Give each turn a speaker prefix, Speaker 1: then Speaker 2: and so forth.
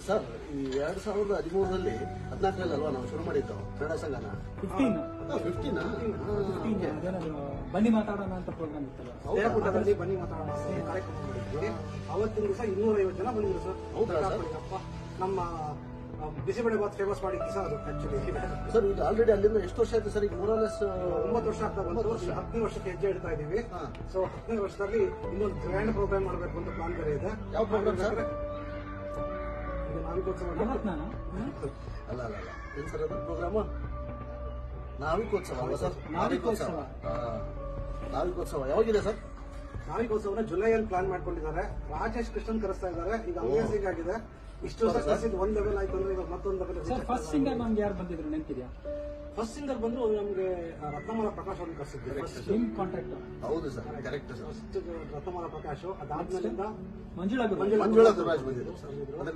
Speaker 1: Sir ಈ 2013ರಲ್ಲಿ 14ರಲ್ಲಿ ಅಲ್ವಾ ನಾವು ಶುರು ಮಾಡಿದ್ದು ಕನ್ನಡ ಸಂಘನ 15
Speaker 2: ಬನ್ನಿ ಮಾತಾಡೋಣ ಅಂತ ಪ್ರೋಗ್ರಾಮ್ ಇತ್ತಲ್ಲ,
Speaker 3: ದೇವಪುಟದಲ್ಲಿ ಬನ್ನಿ ಮಾತಾಡೋಣ ಅಂತ ಕಾರ್ಯಕ್ರಮ ಮಾಡಿದ್ವಿ. ಅವತ್ತಿನ ದಿವಸ 250 ಜನ ಬಂದಿದ್ರು ಸರ್.
Speaker 1: ಹೌದಾ ಸರ್?
Speaker 3: ನಮ್ಮ ಬಿಸಿಬೇಳೆ ಬಾತ್ ಫೇಮಸ್ ಮಾಡಿದ್ದು ಸರ್ ಅದು ಆಕ್ಚುಲಿ.
Speaker 1: ಸರ್ ಇದು ಆಲ್ರೆಡಿ ಅಲ್ಲಿಂದ ಎಷ್ಟು ವರ್ಷ ಆಯ್ತು ಸರ್? ಈಗ ಮೂರಲೆಸ್
Speaker 3: 9 ವರ್ಷ ಆಗ್ತಾ ಬಂತು. 10ನೇ ವರ್ಷಕ್ಕೆ ಹೆಜ್ಜೆ ಇಡ್ತಾ ಇದೀವಿ. ಸೊ 10ನೇ ವರ್ಷದಲ್ಲಿ ಇನ್ನೊಂದು ಗ್ರ್ಯಾಂಡ್ ಪ್ರೋಗ್ರಾಮ್ ಮಾಡಬೇಕು ಅಂತ ಪ್ಲಾನ್ ಬೇರೆ ಇದೆ.
Speaker 1: ಯಾವ ಪ್ರೋಗ್ರಾಮ್ ಸರ್?
Speaker 3: ನಾವಿಕೋತ್ಸವ
Speaker 1: ಅಲ್ಲ ಅಲ್ಲ ಅಲ್ಲ ಏನ್ ಸರ್ ಅದು ಪ್ರೋಗ್ರಾಮ್? ನಾವಿಕೋತ್ಸವ ಅಲ್ವಾ ಸರ್? ನಾವಿಕೋತ್ಸವ ಯಾವಾಗಿದೆ ಸರ್?
Speaker 3: ನಾವಿಕೋತ್ಸವನ ಜುಲೈಯಲ್ಲಿ ಪ್ಲಾನ್ ಮಾಡ್ಕೊಂಡಿದ್ದಾರೆ. ರಾಜೇಶ್ ಕೃಷ್ಣನ್ ಕರೆಸ್ತಾ ಇದ್ದಾರೆ. ಈಗ ಅಮೇಜಿಂಗ್ ಆಗಿದೆ. ಇಷ್ಟು ವರ್ಷ ಕರೆಸಿದ್ದು ಒಂದ್ ಲೆವೆಲ್ ಆಯ್ತು ಅಂದ್ರೆ ಇವಾಗ ಮತ್ತೊಂದು ಲೆವೆಲ್.
Speaker 2: ಫಸ್ಟ್ ಸಿಂಗರ್ ನಮ್ಗೆ ಯಾರು ಬಂದಿದ್ರು ನೆನಪಿದ್ಯಾ?
Speaker 3: ಫಸ್ಟ್ ಸಿಂಗರ್ ಬಂದ್ರು ನಮ್ಗೆ ರತ್ನಮಾಲ ಪ್ರಕಾಶ್ ಅವ್ರನ್ನ ಕರೆಸಿದ್ವಿ.
Speaker 2: ನಿಮ್ ಕಾಂಟ್ಯಾಕ್ಟ್?
Speaker 1: ಹೌದು sir, correct sir.
Speaker 3: First Ratnamala Prakash, ಅದಾದ್ಮೇಲಿಂದ
Speaker 2: ಮಂಜುಳಾ
Speaker 1: ಮಂಜುಳಾ ಗುರುರಾಜ್ ಬಂದಿದ್ರು ಸರ್.